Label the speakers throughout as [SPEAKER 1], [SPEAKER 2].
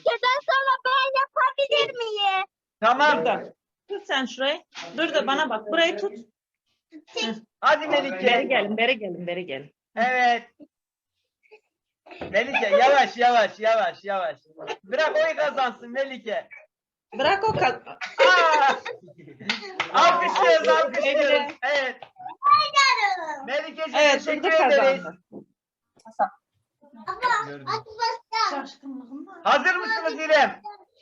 [SPEAKER 1] Melike'den sonra ben yapabilir miyim?
[SPEAKER 2] Tamam.
[SPEAKER 3] Burada. Tut sen şurayı. Dur da bana bak. Burayı tut.
[SPEAKER 2] Hadi
[SPEAKER 3] Beri
[SPEAKER 2] Melike.
[SPEAKER 3] gelin, beri gelin, beri gelin.
[SPEAKER 2] Evet. Melike yavaş yavaş yavaş yavaş. Bırak oyu kazansın Melike.
[SPEAKER 3] Bırak o kaz.
[SPEAKER 2] Aa! Alkışlıyoruz alkışlıyoruz. Evet. Melike'ciğim
[SPEAKER 3] Evet,
[SPEAKER 2] teşekkür
[SPEAKER 3] Durdu
[SPEAKER 2] ederiz.
[SPEAKER 3] kazandı.
[SPEAKER 2] Gördüm. Hazır mısınız İrem?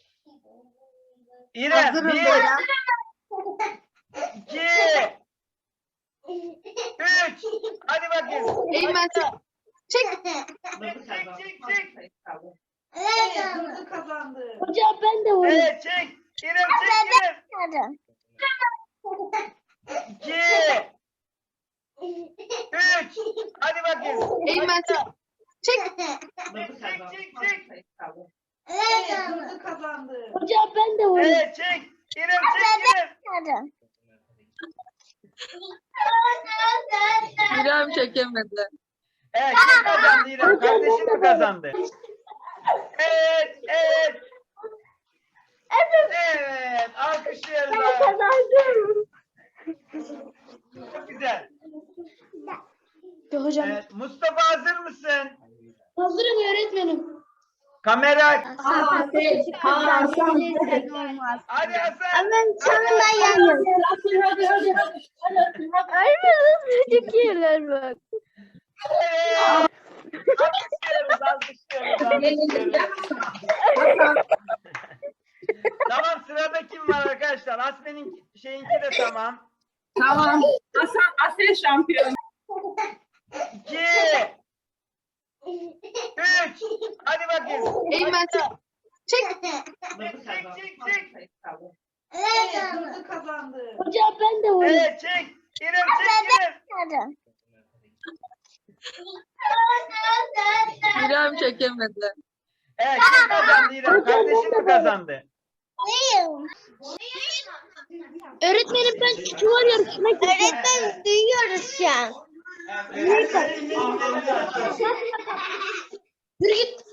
[SPEAKER 2] İrem
[SPEAKER 1] Hazırım
[SPEAKER 2] 1,
[SPEAKER 1] Beyran.
[SPEAKER 2] 2, 3. Hadi bakayım.
[SPEAKER 1] Eymen çek.
[SPEAKER 2] Çek.
[SPEAKER 3] Durdu kazandı.
[SPEAKER 1] Hocam ben de
[SPEAKER 2] Evet çek. İrem çek İrem. 2, 3. Hadi bakayım.
[SPEAKER 1] Eymen çek.
[SPEAKER 2] Çek.
[SPEAKER 3] Durdu kazandı.
[SPEAKER 1] Hocam ben de
[SPEAKER 2] Evet çek. İrem çek İrem.
[SPEAKER 1] İrem çekemedi.
[SPEAKER 2] Evet kim kazandı İrem? Kardeşin mi kazandı? Evet. Evet. Alkışlıyoruz. abi.
[SPEAKER 1] Kazandım.
[SPEAKER 2] Çok güzel.
[SPEAKER 1] Hocam.
[SPEAKER 2] Evet, Mustafa hazır mısın?
[SPEAKER 1] Hazırım öğretmenim.
[SPEAKER 2] Kamera.
[SPEAKER 1] Hadi
[SPEAKER 2] Hadi Hasan.
[SPEAKER 1] Ben sonunda yandım. Öğretmenim çekiyorlar bak.
[SPEAKER 2] Evet. Alkışlıyoruz. Tamam sırada kim var arkadaşlar? Asmen'in şeyinki de tamam.
[SPEAKER 4] Tamam. Asya şampiyon.
[SPEAKER 2] 2, 3. Hadi bakayım.
[SPEAKER 1] Eymen çek.
[SPEAKER 2] Çek.
[SPEAKER 3] Durdu kazandı.
[SPEAKER 1] Hocam ben de oynadım.
[SPEAKER 2] Evet çek. İrem çek İrem.
[SPEAKER 1] İrem çekemedi.
[SPEAKER 2] Evet kim kazandı İrem? Kardeşin mi kazandı?
[SPEAKER 1] Öğretmenim ben çuval yarışına gideceğim. Öğretmenim duyuyoruz şu an. Yürü git.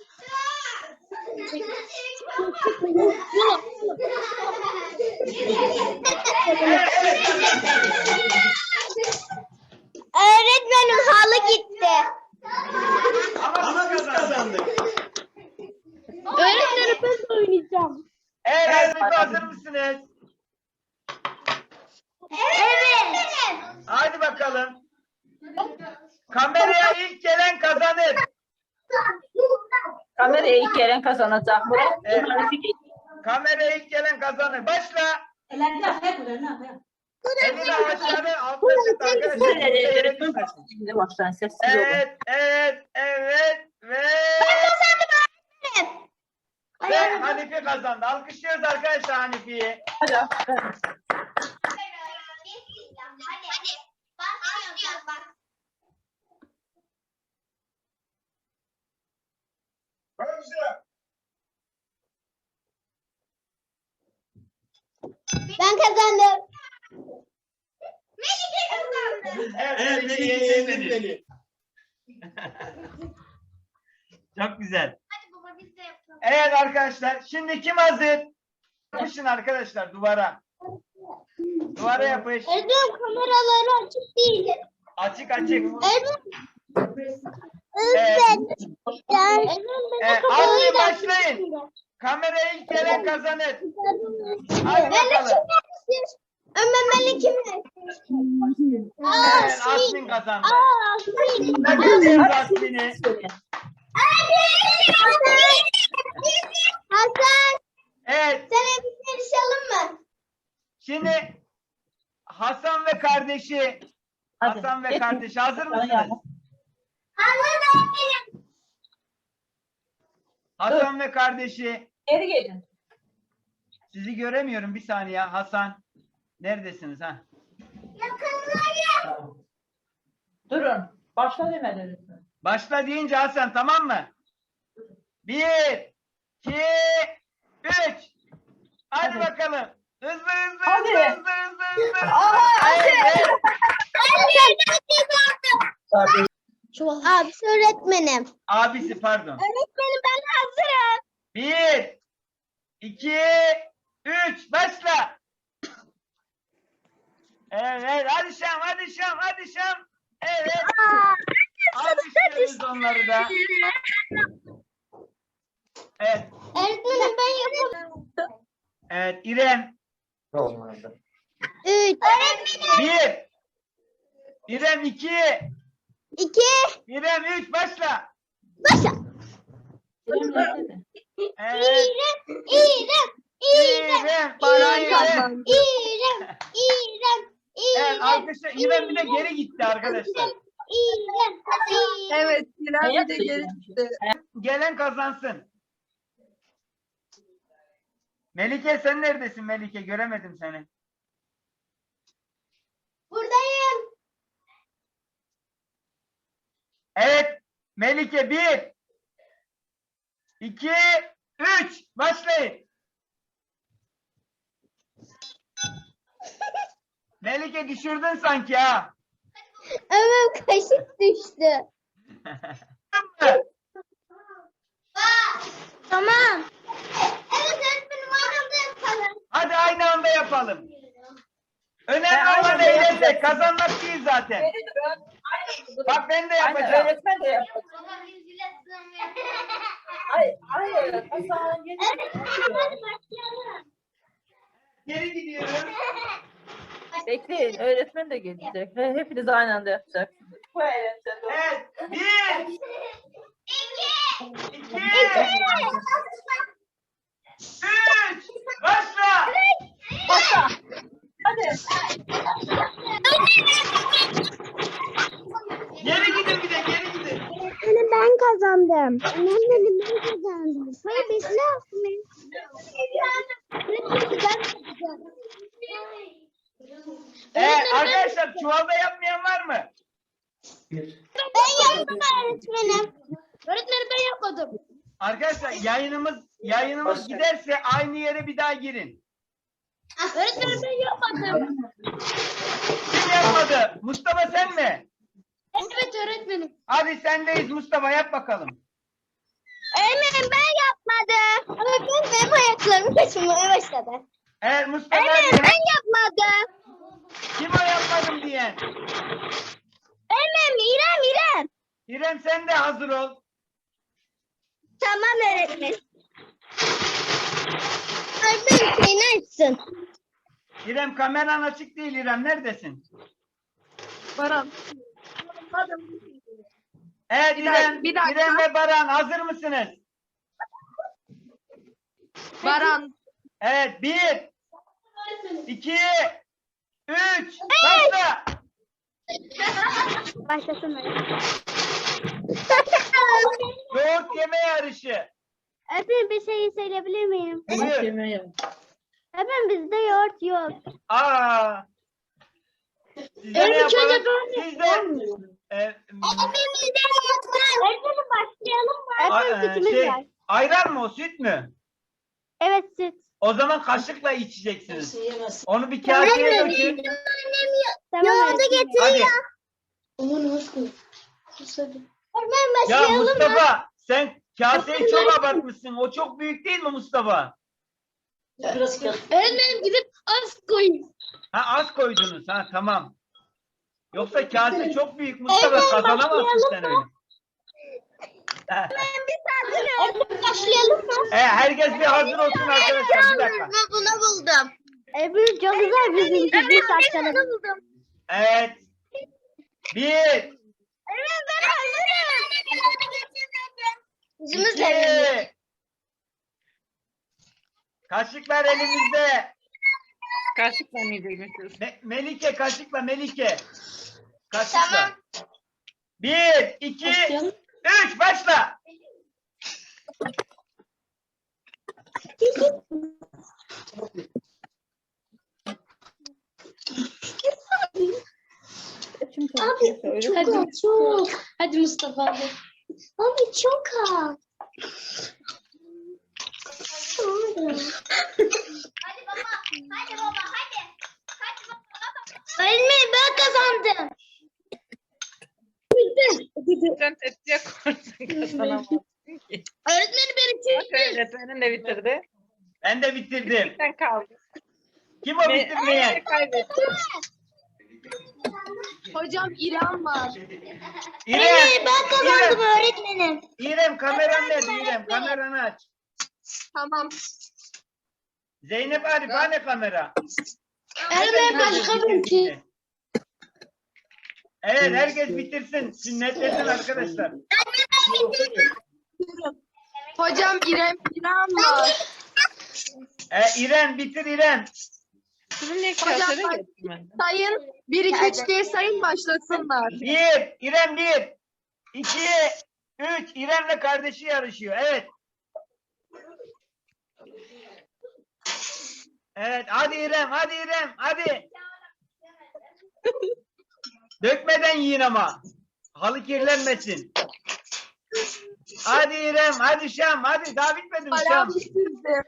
[SPEAKER 1] Öğretmenim halı gitti.
[SPEAKER 2] Ama biz kazandık.
[SPEAKER 1] Öğretmenim ben de oynayacağım.
[SPEAKER 2] Evet hazır mısınız?
[SPEAKER 1] Evet.
[SPEAKER 2] Hadi bakalım. Kameraya ilk gelen kazanır.
[SPEAKER 4] Kameraya ilk gelen kazanacak. Murat,
[SPEAKER 2] Evet.
[SPEAKER 4] Hanifi
[SPEAKER 2] Kameraya ilk gelen kazanır. Başla. Elini aşağıdan altta tut arkadaşlar. Yere düşmesin.
[SPEAKER 4] Şimdi başlayın sessiz olun.
[SPEAKER 2] Evet. Ve Hanifi kazandı. Alkışlıyoruz arkadaşlar Hanifi'yi.
[SPEAKER 4] Hadi.
[SPEAKER 1] Ben kazandım.
[SPEAKER 2] Evet, Melike beni. Çok güzel.
[SPEAKER 1] Hadi baba biz de yapalım.
[SPEAKER 2] Evet arkadaşlar. Şimdi kim hazır? Yapışın arkadaşlar duvara. Duvara yapış.
[SPEAKER 1] Öğretmenim kameraları açık değil.
[SPEAKER 2] Açık. Hadi başlayın. Kameraya ilk gelen kazanır. Hadi bakalım.
[SPEAKER 1] Ömer kimle?
[SPEAKER 2] Evet, Asmin kazandı.
[SPEAKER 1] Asmin.
[SPEAKER 2] Bakıyoruz Asmin'i.
[SPEAKER 1] Hasan.
[SPEAKER 2] Evet.
[SPEAKER 1] Sen bir yarışalım mı?
[SPEAKER 2] Şimdi Hasan ve kardeşi.
[SPEAKER 4] Hadi.
[SPEAKER 2] Hasan ve kardeşi hazır mısınız?
[SPEAKER 1] Hazırım.
[SPEAKER 2] Hasan ve kardeşi.
[SPEAKER 4] Geri gelin.
[SPEAKER 2] Sizi göremiyorum bir saniye. Hasan. Neredesiniz ha?
[SPEAKER 4] Durun. Başla demediniz mi?
[SPEAKER 2] Başla deyince Hasan tamam mı? 1, 2, 3. Hadi bakalım. Hızlı.
[SPEAKER 4] Hadi.
[SPEAKER 2] Evet.
[SPEAKER 1] Abi öğretmenim.
[SPEAKER 2] Abisi pardon.
[SPEAKER 1] Öğretmenim ben hazırım.
[SPEAKER 2] 1, 2, 3, başla. Evet, hadi Şam, hadi Şam, hadi Şam. Evet. Alkışlıyoruz onları da. Evet,
[SPEAKER 1] Öğretmenim ben yapamam.
[SPEAKER 2] evet İrem.
[SPEAKER 1] 3.
[SPEAKER 2] 1. İrem 2.
[SPEAKER 1] 2.
[SPEAKER 2] İrem 3, başla.
[SPEAKER 1] Başla.
[SPEAKER 2] Evet.
[SPEAKER 1] İrem.
[SPEAKER 2] İrem, bana İrem.
[SPEAKER 1] İrem.
[SPEAKER 2] Evet, arkadaşlar İrem bir de geri gitti arkadaşlar.
[SPEAKER 1] İrem.
[SPEAKER 5] Evet,
[SPEAKER 4] Ne
[SPEAKER 5] İrem bir de
[SPEAKER 4] yaptın
[SPEAKER 5] geri
[SPEAKER 4] yani?
[SPEAKER 5] gitti.
[SPEAKER 2] Gelen kazansın. Melike sen neredesin Melike? Göremedim seni.
[SPEAKER 1] Buradayım.
[SPEAKER 2] Evet. Melike 1, 2, 3. Başlayın. Melike düşürdün sanki ha.
[SPEAKER 1] Evet, kaşık düştü. Tamam. Evet öğretmenim aynı anda yapalım.
[SPEAKER 2] Hadi aynı anda yapalım. Önemli
[SPEAKER 4] aynı
[SPEAKER 2] olan
[SPEAKER 4] anda
[SPEAKER 2] eğlenmek.
[SPEAKER 4] yapacaksın.
[SPEAKER 2] Kazanmak değil zaten.
[SPEAKER 4] Geri durun. Aynı.
[SPEAKER 2] Bak ben de
[SPEAKER 4] Aynen,
[SPEAKER 2] yapacağım.
[SPEAKER 4] öğretmen de yapacak. Hayır. Hasan geri.
[SPEAKER 2] Geri gidiyorum.
[SPEAKER 4] Bekleyin, öğretmen de gelecek. Hepiniz aynı anda yapacaksınız. Bu eğlenceli.
[SPEAKER 2] Evet. 1, 2, 3. Başla.
[SPEAKER 4] Başla. Hadi.
[SPEAKER 2] Geri gidin bir de geri gidin.
[SPEAKER 1] Öğretmenim ben kazandım. Öğretmenim ben kazandım. Hayır bekle.
[SPEAKER 2] Arkadaşlar çuvalda yapmayan var mı?
[SPEAKER 1] Ben yaptım öğretmenim. Öğretmenim ben yapmadım.
[SPEAKER 2] Arkadaşlar yayınımız giderse aynı yere bir daha girin.
[SPEAKER 1] Öğretmenim ben yapmadım.
[SPEAKER 2] Kim yapmadı? Mustafa sen mi?
[SPEAKER 1] Evet öğretmenim.
[SPEAKER 2] Hadi sendeyiz Mustafa, yap bakalım.
[SPEAKER 1] Öğretmenim ben yapmadım. Öğretmenim benim ayaklarım kaşınmaya başladı.
[SPEAKER 2] Evet Mustafa
[SPEAKER 1] Öğretmenim
[SPEAKER 2] hadi.
[SPEAKER 1] ben yapmadım.
[SPEAKER 2] Kim o yapmadım diyen?
[SPEAKER 1] Öğretmenim İrem.
[SPEAKER 2] İrem sen de hazır ol.
[SPEAKER 1] Tamam öğretmenim. Öğretmenim seni açsın.
[SPEAKER 2] İrem kameran açık değil İrem, neredesin?
[SPEAKER 5] Baran.
[SPEAKER 2] Evet İrem,
[SPEAKER 5] bir dakika.
[SPEAKER 2] İrem ve Baran hazır mısınız?
[SPEAKER 5] Baran.
[SPEAKER 2] Evet 1, 2, 3, başla.
[SPEAKER 1] Başlasın
[SPEAKER 2] Yoğurt yeme yarışı.
[SPEAKER 1] Öğretmenim bir şey söyleyebilir miyim?
[SPEAKER 2] Buyur.
[SPEAKER 1] Öğretmenim bizde yoğurt yok.
[SPEAKER 2] Aa. Siz de ne yapalım? Siz de
[SPEAKER 1] Öğretmenim başlayalım mı? Öğretmenim sütümüz
[SPEAKER 2] şey,
[SPEAKER 1] var.
[SPEAKER 2] ayran mı o, süt mü?
[SPEAKER 1] Evet süt.
[SPEAKER 2] O zaman kaşıkla içeceksiniz. Onu bir kaseye dökün.
[SPEAKER 1] Tamam, yoğurdu
[SPEAKER 2] Hadi.
[SPEAKER 1] Öğretmenim
[SPEAKER 2] Ya
[SPEAKER 1] başlayalım mı?
[SPEAKER 2] Mustafa sen kaseyi çok abartmışsın. O çok büyük değil mi Mustafa?
[SPEAKER 1] Öğretmenim gidip az koyun.
[SPEAKER 2] Ha az koydunuz. Ha tamam. Yoksa kase çok büyük Mustafa,
[SPEAKER 1] Evet,
[SPEAKER 2] kazanamazsın sen
[SPEAKER 1] başlayalım
[SPEAKER 2] öyle. Ha.
[SPEAKER 1] Öğretmenim başlayalım mı?
[SPEAKER 2] Herkes bir hazır olsun arkadaşlar. Bir dakika.
[SPEAKER 1] Ben bunu buldum. Öbür çok güzel bizimki. Bir saçlarını buldum.
[SPEAKER 2] Evet. 1,
[SPEAKER 1] Evet ben hazırım. Yüzümüz
[SPEAKER 2] 2. Kaşıklar elimizde.
[SPEAKER 3] Kaşıkla mı yiyecekmişiz?
[SPEAKER 2] Melike kaşıkla Melike. Kaşıkla. 1, 2, 3 başla.
[SPEAKER 1] Abi çok az. Çok. Hadi Mustafa abi. Abi çok az. Hadi baba. Hadi baba. Hadi. Hadi baba. Öğretmenim ben kazandım.
[SPEAKER 3] Sen tepsiye koysun kazanamazsın ki.
[SPEAKER 1] Öğretmenim benim
[SPEAKER 3] Bak öğretmenin de bitirdi.
[SPEAKER 2] Ben de bitirdim.
[SPEAKER 3] Sen kaldın.
[SPEAKER 2] Kim o bitirmeyen?
[SPEAKER 3] Kaybettim.
[SPEAKER 5] Hocam İrem var.
[SPEAKER 2] İrem.
[SPEAKER 1] Ben kazandım öğretmenim.
[SPEAKER 2] İrem kameran nerede İrem? Kameranı aç.
[SPEAKER 5] Tamam.
[SPEAKER 2] Zeynep Arif hani kamera?
[SPEAKER 1] Öğretmenim başka bir şey.
[SPEAKER 2] Evet herkes bitirsin. Sünnetlesin arkadaşlar.
[SPEAKER 5] Hocam İrem var.
[SPEAKER 2] İrem bitir İrem.
[SPEAKER 3] Sizin niye
[SPEAKER 5] Hocam,
[SPEAKER 3] kasere
[SPEAKER 5] ben-
[SPEAKER 3] getirmedin?
[SPEAKER 5] Sayın 1 2 3 diye sayın başlasınlar.
[SPEAKER 2] 1. İrem 1. 2. 3. İrem'le kardeşi yarışıyor. Evet. Evet hadi İrem hadi İrem hadi. Dökmeden yiyin ama. Halı kirlenmesin. Hadi İrem hadi Şam hadi daha bitmedi mi Şam?
[SPEAKER 5] Baran bitirdi.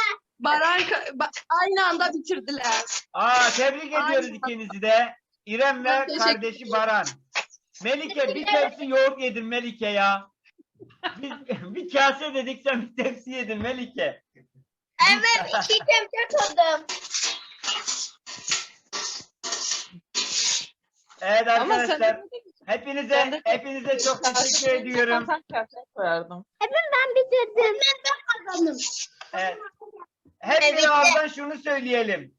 [SPEAKER 5] Aynı anda bitirdiler.
[SPEAKER 2] Tebrik ediyoruz ikinizi de. İrem ve
[SPEAKER 5] Ben teşekkür
[SPEAKER 2] kardeşi Baran. Melike bir tepsi yoğurt yedin Melike ya. Biz bir kase dedik sen bir tepsi yedin Melike.
[SPEAKER 1] Evet 2 kemçe kaldım.
[SPEAKER 2] Evet
[SPEAKER 3] Ama sen
[SPEAKER 2] arkadaşlar
[SPEAKER 3] Ben de-
[SPEAKER 2] hepinize çok teşekkür ediyorum.
[SPEAKER 3] Sen kasere koyardım.
[SPEAKER 1] Ben bitirdim. Ben kazandım.
[SPEAKER 2] Evet. Hep
[SPEAKER 1] Evet.
[SPEAKER 2] bir ağızdan şunu söyleyelim.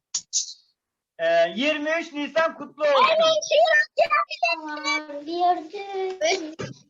[SPEAKER 2] 23 Nisan kutlu olsun.
[SPEAKER 1] Tamam, bir